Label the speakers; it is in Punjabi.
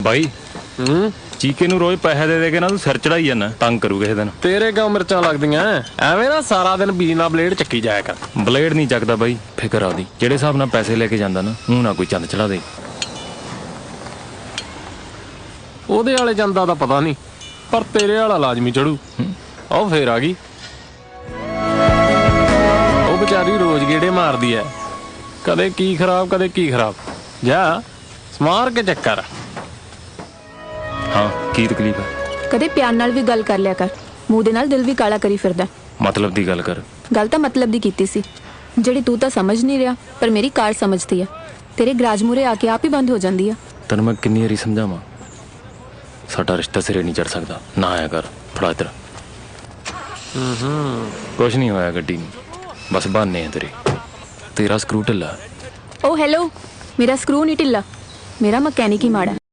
Speaker 1: ਬਾਈ ਚੀਕੇ ਨੂੰ ਰੋਜ਼ ਪੈਸੇ ਦੇ ਕੇ ਨਾ ਤੂੰ ਸਿਰ ਚੜਾਈ ਜਾਂਦਾ, ਤੰਗ ਕਰੂ ਕਿਸੇ ਦਿਨ।
Speaker 2: ਤੇਰੇ ਕਿਉਂ ਮਿਰਚਾਂ ਲੱਗਦੀਆਂ ਐਵੇਂ ਨਾ ਸਾਰਾ ਦਿਨ ਬੀਨਾ ਬਲੇਡ ਚੱਕੀ ਜਾਇਆ ਕਰ।
Speaker 1: ਬਲੇਡ ਨਹੀਂ ਚੱਕਦਾ ਬਾਈ, ਫਿਕਰ ਆਦੀ ਜਿਹੜੇ ਹਿਸਾਬ ਨਾਲ ਪੈਸੇ ਲੈ ਕੇ ਜਾਂਦਾ ਨਾ, ਮੂੰਹ ਨਾ ਕੋਈ ਚੰਦ ਚੜਾ ਦੇ।
Speaker 2: ਉਹਦੇ ਵਾਲੇ ਜਾਂਦਾ ਤਾਂ ਪਤਾ ਨਹੀਂ, ਪਰ ਤੇਰੇ ਵਾਲਾ ਲਾਜ਼ਮੀ ਚੜੂ। ਉਹ ਫੇਰ ਆ ਗਈ, ਉਹ ਵਿਚਾਰੀ ਰੋਜ਼ ਗੇੜੇ ਮਾਰਦੀ ਐ, ਕਦੇ ਕੀ ਖਰਾਬ ਕਦੇ ਕੀ ਖਰਾਬ। ਜਾ ਸਮਾਰ ਕੇ ਚੱਕਰ।
Speaker 1: ਹਾਂ ਕੀ ਤਕਲੀਫ ਹੈ?
Speaker 3: ਕਦੇ ਪਿਆਰ ਨਾਲ ਵੀ ਗੱਲ ਕਰ ਲਿਆ ਕਰ, ਮੂੰਹ ਦੇ ਨਾਲ ਦਿਲ ਵੀ ਕਾਲਾ ਕਰੀ ਫਿਰਦਾ।
Speaker 1: ਮਤਲਬ ਦੀ ਗੱਲ ਕਰ।
Speaker 3: ਗੱਲ ਤਾਂ ਮਤਲਬ ਦੀ ਕੀਤੀ ਸੀ, ਜਿਹੜੀ ਤੂੰ ਤਾਂ ਸਮਝ ਨਹੀਂ ਰਿਹਾ, ਪਰ ਮੇਰੀ ਕਾਰ ਸਮਝਦੀ ਆ। ਤੇਰੇ ਗਰਾਜ ਮੂਰੇ ਆ ਕੇ ਆਪ ਹੀ ਬੰਦ ਹੋ ਜਾਂਦੀ ਆ।
Speaker 1: ਤੈਨੂੰ ਮੈਂ ਕਿੰਨੀ ਵਾਰੀ ਸਮਝਾਵਾਂ, ਸਾਡਾ ਰਿਸ਼ਤਾ ਸਿਰੇ ਨਹੀਂ ਚੜ ਸਕਦਾ, ਨਾ ਆਇਆ ਕਰ। ਫੜਾ ਇੱਧਰ। ਕੁਛ ਨਹੀਂ ਹੋਇਆ ਗੱਡੀ ਨੂੰ, ਬਸ ਬਹਾਨੇ ਆ ਤੇਰੇ। ਤੇਰਾ ਸਕਰੂ ਢਿੱਲਾ।
Speaker 3: ਓ ਹੈਲੋ, ਮੇਰਾ ਸਕਰੂ ਨਹੀਂ ਢਿੱਲਾ, ਮੇਰਾ ਮਕੈਨਿਕ ਹੀ ਮਾੜਾ।